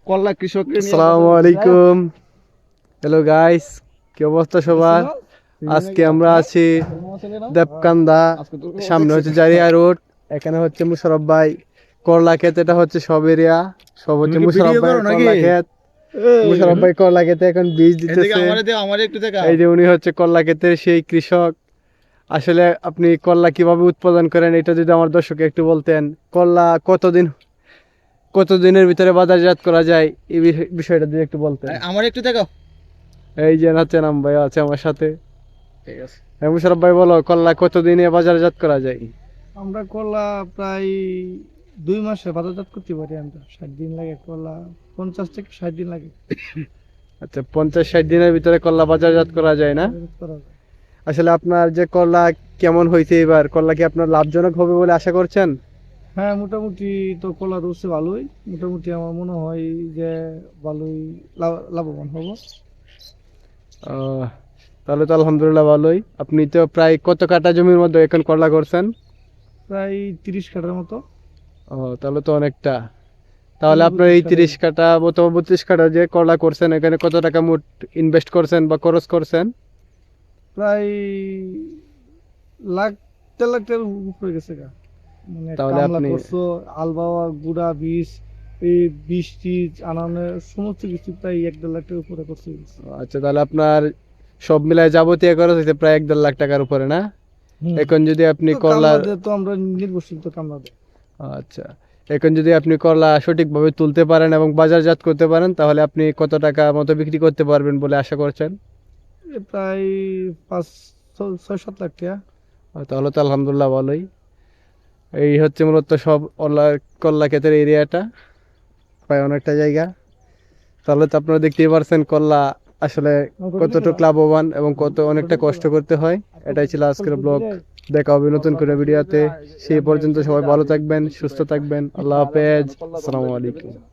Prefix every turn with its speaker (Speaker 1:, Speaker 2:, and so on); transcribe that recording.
Speaker 1: করলা কৃষক।
Speaker 2: আসসালামু আলাইকুম। হ্যালো গাইস, কি অবস্থা সবার? আজকে আমরা আছি দেবকান্দা, সামনে হচ্ছে জারিয়া রোড, এখানে হচ্ছে মুশারফ ভাই করলা ক্ষেত। এটা হচ্ছে সব এরিয়া, সব হচ্ছে মুশারফ ভাই করলা ক্ষেত। মুশারফ ভাই করলা ক্ষেতে এখন বীজ দিতেছে। এই যে উনি হচ্ছে করলা ক্ষেতের সেই কৃষক। আসলে আপনি করলা কিভাবে উৎপাদন করেন এটা যদি আমার দর্শককে একটু বলতেন। করলা কতদিনের ভিতরে বাজারজাত করা যায় এই বিষয়টা যদি একটু বলতেন।
Speaker 1: আমার একটু দেখাও।
Speaker 2: এই যে নাম ভাই আছে আমার সাথে।
Speaker 1: ঠিক আছে।
Speaker 2: হ্যাঁ মুশারফ ভাই, বলো করলা কতদিনে বাজারজাত করা যায়?
Speaker 3: আমরা করলা প্রায় 2 মাসে বাজারজাত করতে পারি। আমরা 60 দিন লাগে, করলা 50 থেকে 60 দিন লাগে
Speaker 2: আচ্ছা, 50-60 দিনের ভিতরে করলা বাজারজাত করা যায় না?
Speaker 3: বাজারজাত করা যায়।
Speaker 2: আসলে আপনার যে করলা কেমন হয়েছে এবার, করলা কি আপনার লাভজনক হবে বলে আশা করছেন?
Speaker 3: হ্যাঁ, মোটামুটি তো কলা ধরছে ভালোই। মোটামুটি আমার মনে হয় যে ভালোই লাভবান হব।
Speaker 2: আহ, তাহলে তো আলহামদুলিল্লাহ ভালোই। আপনি তো প্রায় কত কাঠা জমির মধ্যে এখন করলা করছেন?
Speaker 3: প্রায় 30 কাঠার মতো।
Speaker 2: ও, তাহলে তো অনেকটা। তাহলে আপনার
Speaker 3: 32
Speaker 2: এই
Speaker 3: কাঠা।
Speaker 2: 30 কাঠা অথবা 32 কাঠা যে করলা করছেন, এখানে কত টাকা মোট ইনভেস্ট করছেন বা খরচ করছেন?
Speaker 3: প্রায় লাখ 1.5 লাখ টাকার উপরে গেছে গা। মানে
Speaker 2: তাহলে
Speaker 3: কামলা
Speaker 2: আপনি
Speaker 3: করছো, আলবাওয়া গুড়া বীজ, এই বীজ টিজ আনানো সমস্ত কিছু প্রায় 1.5 লাখ টাকার উপরে করছে।
Speaker 2: আচ্ছা, তাহলে আপনার সব মিলায় যাবতীয় খরচ হয়েছে প্রায় 1-1.5 লাখ টাকার উপরে না?
Speaker 3: হুম।
Speaker 2: এখন যদি আপনি
Speaker 3: তো
Speaker 2: করলা,
Speaker 3: কামলা দিয়ে তো আমরা নির্ভরশীল, তো কামলা দিয়ে।
Speaker 2: আচ্ছা, এখন যদি আপনি করলা সঠিকভাবে তুলতে পারেন এবং বাজারজাত করতে পারেন, তাহলে আপনি কত টাকা মতো বিক্রি করতে পারবেন বলে আশা করছেন?
Speaker 3: এ প্রায় 5-6-7 লাখ টাকা।
Speaker 2: তাহলে তো আলহামদুলিল্লাহ ভালোই। এই হচ্ছে মূলত সব করলা ক্ষেতের এরিয়াটা, প্রায় অনেকটা জায়গা। তাহলে তো আপনারা দেখতেই পারছেন করলা আসলে কতটুকু লাভবান এবং কত অনেকটা কষ্ট করতে হয়। এটাই ছিল আজকের ব্লগ। দেখা হবে নতুন করে ভিডিওতে। সেই পর্যন্ত সবাই ভালো থাকবেন, সুস্থ থাকবেন। আল্লাহ হাফেজ, আসসালামু আলাইকুম।